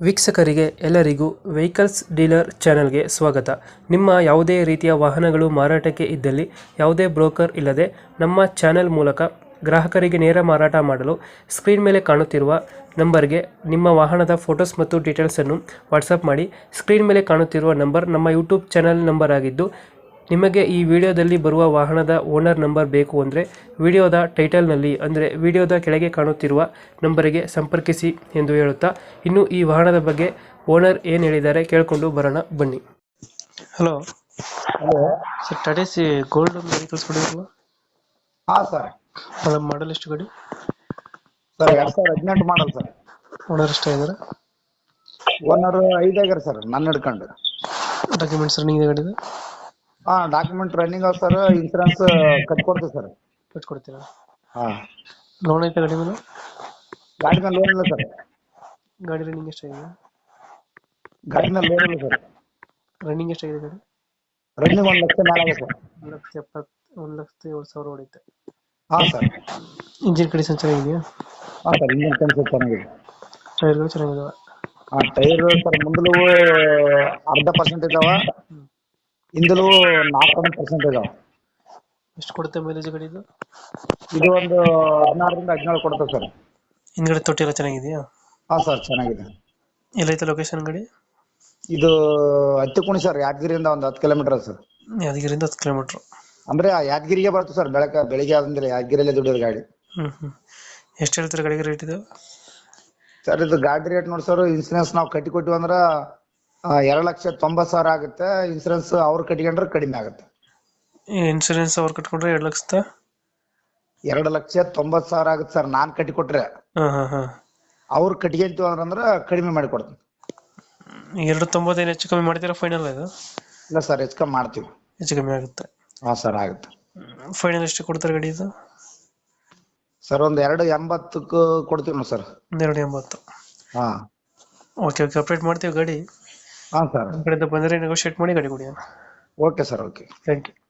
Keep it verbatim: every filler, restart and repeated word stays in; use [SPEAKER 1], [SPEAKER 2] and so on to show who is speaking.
[SPEAKER 1] ವೀಕ್ಷಕರಿಗೆ ಎಲ್ಲರಿಗೂ vehicles dealer ಚಾನೆಲ್ಗೆ ಸ್ವಾಗತ. ನಿಮ್ಮ ಯಾವುದೇ ರೀತಿಯ ವಾಹನಗಳು ಮಾರಾಟಕ್ಕೆ ಇದ್ದಲ್ಲಿ ಯಾವುದೇ ಬ್ರೋಕರ್ ಇಲ್ಲದೆ ನಮ್ಮ ಚಾನೆಲ್ ಮೂಲಕ ಗ್ರಾಹಕರಿಗೆ ನೇರ ಮಾರಾಟ ಮಾಡಲು ಸ್ಕ್ರೀನ್ ಮೇಲೆ ಕಾಣುತ್ತಿರುವ ನಂಬರ್ಗೆ ನಿಮ್ಮ ವಾಹನದ ಫೋಟೋಸ್ ಮತ್ತು ಡೀಟೇಲ್ಸನ್ನು ವಾಟ್ಸಪ್ ಮಾಡಿ. ಸ್ಕ್ರೀನ್ ಮೇಲೆ ಕಾಣುತ್ತಿರುವ ನಂಬರ್ ನಮ್ಮ ಯೂಟ್ಯೂಬ್ ಚಾನೆಲ್ ನಂಬರ್ ಆಗಿದ್ದು, ನಿಮಗೆ ಈ ವಿಡಿಯೋದಲ್ಲಿ ಬರುವ ವಾಹನದ ಓನರ್ ನಂಬರ್ ಬೇಕು ಅಂದರೆ ವಿಡಿಯೋದ ಟೈಟಲ್ನಲ್ಲಿ ಅಂದರೆ ವಿಡಿಯೋದ ಕೆಳಗೆ ಕಾಣುತ್ತಿರುವ ನಂಬರಿಗೆ ಸಂಪರ್ಕಿಸಿ ಎಂದು ಹೇಳುತ್ತಾ, ಇನ್ನು ಈ ವಾಹನದ ಬಗ್ಗೆ ಓನರ್ ಏನು ಹೇಳಿದ್ದಾರೆ ಕೇಳಿಕೊಂಡು ಬರೋಣ ಬನ್ನಿ. Hello
[SPEAKER 2] hello
[SPEAKER 1] sir, Tata C gold vehicles ಕೊಡಿರಲ್ಲ,
[SPEAKER 2] ಹಾ ಸರ್.
[SPEAKER 1] ಅದರ ಮಾಡಲ್ ಎಷ್ಟು ಗಾಡಿ?
[SPEAKER 2] ಸರ್ ಎರಡ್ ಸಾವಿರದ ಹದಿನೆಂಟು ಮಾಡಲ್ ಸರ್.
[SPEAKER 1] ಓನರ್ ಎಷ್ಟೇ ಇದ್ದಾರೆ?
[SPEAKER 2] ಓನರ್ ಐದಾಗ್ಯಾರ ಸರ್, ನನ್ನ ಹಿಡ್ಕೊಂಡು.
[SPEAKER 1] ಡಾಕ್ಯುಮೆಂಟ್ಸ್ ರನ್ನಿಂಗ್ ಇದೆ ಗಾಡಿದು?
[SPEAKER 2] ಹಾ, ಡಾಕ್ಯುಮೆಂಟ್ ರನ್ನಿಂಗ್ ಅವ ಸರ್. ಇನ್ಸೂರೆನ್ಸ್ ಕಟ್ಕೊಡ್ತೀವಿ ಸರ್.
[SPEAKER 1] ಕಟ್ಕೊಡ್ತೀರಾ?
[SPEAKER 2] ಹಾ,
[SPEAKER 1] ಲೋನ್ ಐತೆ ಗಾಡಿ ಮೇಲೆ?
[SPEAKER 2] ಗಾಡಿ ಮೇಲೆ ಲೋನ್ ಇಲ್ಲ ಸರ್.
[SPEAKER 1] ಗಾಡಿ ರನ್ನಿಂಗ್ ಎಷ್ಟಾಗಿದೆ?
[SPEAKER 2] ಗಾಡಿ ಮೇಲೆ ಲೋನ್ ಇಲ್ಲ ಸರ್.
[SPEAKER 1] ರನ್ನಿಂಗ್ ಎಷ್ಟಾಗಿದೆ ಗಾಡಿ?
[SPEAKER 2] ರನ್ನಿಂಗ್ ಒಂದ್ ಲಕ್ಷ ಮೇಲೆ ಆಗಿದೆ ಸರ್.
[SPEAKER 1] ಒಂದು ಲಕ್ಷ ಎಪ್ಪತ್ತು ಒಂದು ಲಕ್ಷದ ಏಳು ಸಾವಿರ ಹೊಡಿತೆ.
[SPEAKER 2] ಹಾ ಸರ್.
[SPEAKER 1] ಇಂಜಿನ್ ಕಂಡೀಷನ್ ಚೆನ್ನಾಗಿದೆಯಾ?
[SPEAKER 2] ಹಾ ಸರ್, ಇಂಜಿನ್ ಕಂಡೀಷನ್ ಚೆನ್ನಾಗಿದೆ.
[SPEAKER 1] ಟೈರ್ಗಳು ಚೆನ್ನಾಗಿದಾವೆ?
[SPEAKER 2] ಹಾ, ಟೈರ್ ಸರ್ ಮುಂದಲು ಅರ್ಧ ಪರ್ಸೆಂಟ್ ಇದಾವ, ಹಿಂದಲು ನಾಲ್ಕು ಪರ್ಸೆಂಟ್ ಇದಾವ.
[SPEAKER 1] ಎಷ್ಟು ಕೊಡುತ್ತೆ ಮೈಲೇಜ್ ಗಾಡಿದು?
[SPEAKER 2] ಇದು ಒಂದು ಹದಿನಾರರಿಂದ ಹದಿನೇಳು ಕೊಡ್ತದೆ ಸರ್.
[SPEAKER 1] ಹಿಂದ್ಗಡೆ ತೊಟ್ಟಿ ಎಲ್ಲ ಚೆನ್ನಾಗಿದೆಯಾ?
[SPEAKER 2] ಹಾ ಸರ್, ಚೆನ್ನಾಗಿದೆ.
[SPEAKER 1] ಎಲ್ಲೈತೆ ಲೊಕೇಶನ್ ಗಾಡಿ?
[SPEAKER 2] ಇದು ಹತ್ತಿಕುಣಿ ಸರ್, ಯಾದಗಿರಿಯಿಂದ ಒಂದು ಹತ್ತು ಕಿಲೋಮೀಟರ್ ಸರ್.
[SPEAKER 1] ಯಾದಗಿರಿಯಿಂದ ಹತ್ತು ಕಿಲೋಮೀಟ್ರ್
[SPEAKER 2] ಅಂದ್ರೆ ಯಾದಗಿರಿಗೆ ಬರ್ತದೆ ಸರ್. ಬೆಳಕ ಬೆಳಿಗ್ಗೆ ಆದ್ರೆ ಯಾದಗಿರಿಯಲ್ಲೇ ದುಡಿಯೋದು ಗಾಡಿ.
[SPEAKER 1] ಹ್ಞೂ ಹ್ಞೂ ಎಷ್ಟು ಹೇಳ್ತೀರಾ ಗಾಡಿಗೆ ರೇಟ್ ಇದು?
[SPEAKER 2] ಸರ್ ಇದು ಗಾಡಿ ರೇಟ್ ನೋಡಿ ಸರ್, ಇನ್ಸೂರೆನ್ಸ್ ನಾವು ಕಟ್ಟಿ ಕೊಟ್ಟಿವಿ ಅಂದ್ರೆ ಎರಡು ಲಕ್ಷ ತೊಂಬತ್ತು ಸಾವಿರ ಆಗುತ್ತೆ. ಇನ್ಸೂರೆನ್ಸ್ ಅವ್ರು ಕಟ್ಕೊಂಡ್ರೆ ಕಡಿಮೆ ಆಗುತ್ತೆ.
[SPEAKER 1] ಇನ್ಸೂರೆನ್ಸ್ ಅವ್ರು ಕಟ್ಕೊಂಡ್ರೆ ಎರಡು ಲಕ್ಷದ
[SPEAKER 2] ಎರಡು ಲಕ್ಷ ತೊಂಬತ್ತು ಸಾವಿರ ಆಗುತ್ತೆ ಸರ್. ನಾನ್ ಕಟ್ಟಿ ಕೊಟ್ರೆ
[SPEAKER 1] ಹಾಂ ಹಾಂ ಹಾಂ
[SPEAKER 2] ಅವ್ರು ಕಟ್ಕೊಂತೀವಿ ಅಂದ್ರೆ ಕಡಿಮೆ ಮಾಡಿ ಕೊಡ್ತೀನಿ.
[SPEAKER 1] ಎರಡು ತೊಂಬತ್ತೈದು ಹೆಚ್ಚು ಕಮ್ಮಿ ಮಾಡ್ತೀರಾ ಫೈನಲ್? ಇದು
[SPEAKER 2] ಇಲ್ಲ ಸರ್, ಹೆಚ್ಚು ಕಮ್ಮಿ ಮಾಡ್ತೀವಿ.
[SPEAKER 1] ಹೆಚ್ಚು ಕಮ್ಮಿ ಆಗುತ್ತೆ?
[SPEAKER 2] ಹಾ ಸರ್, ಆಗುತ್ತೆ.
[SPEAKER 1] ಫೈನಲ್ ಎಷ್ಟು ಕೊಡ್ತಾರೆ ಗಾಡಿ ಇದು?
[SPEAKER 2] ಸರ್ ಒಂದು ಎರಡು ಎಂಬತ್ತಕ್ಕೂ ಕೊಡ್ತೀವಿ ನಾವು ಸರ್.
[SPEAKER 1] ಒಂದೆರಡು ಎಂಬತ್ತು?
[SPEAKER 2] ಹಾ,
[SPEAKER 1] ಓಕೆ ಓಕೆ, ಅಪ್ಡೇಟ್ ಮಾಡ್ತೀವಿ ಗಾಡಿ.
[SPEAKER 2] ಹಾ ಸರ್.
[SPEAKER 1] ನಮ್ಮ ಕಡೆಯಿಂದ ಬಂದರೆ ನೆಗೋಷಿಯೇಟ್ ಮಾಡಿ ಗಾಡಿ ಕೊಡಿ.
[SPEAKER 2] Okay sir, okay.
[SPEAKER 1] Thank you.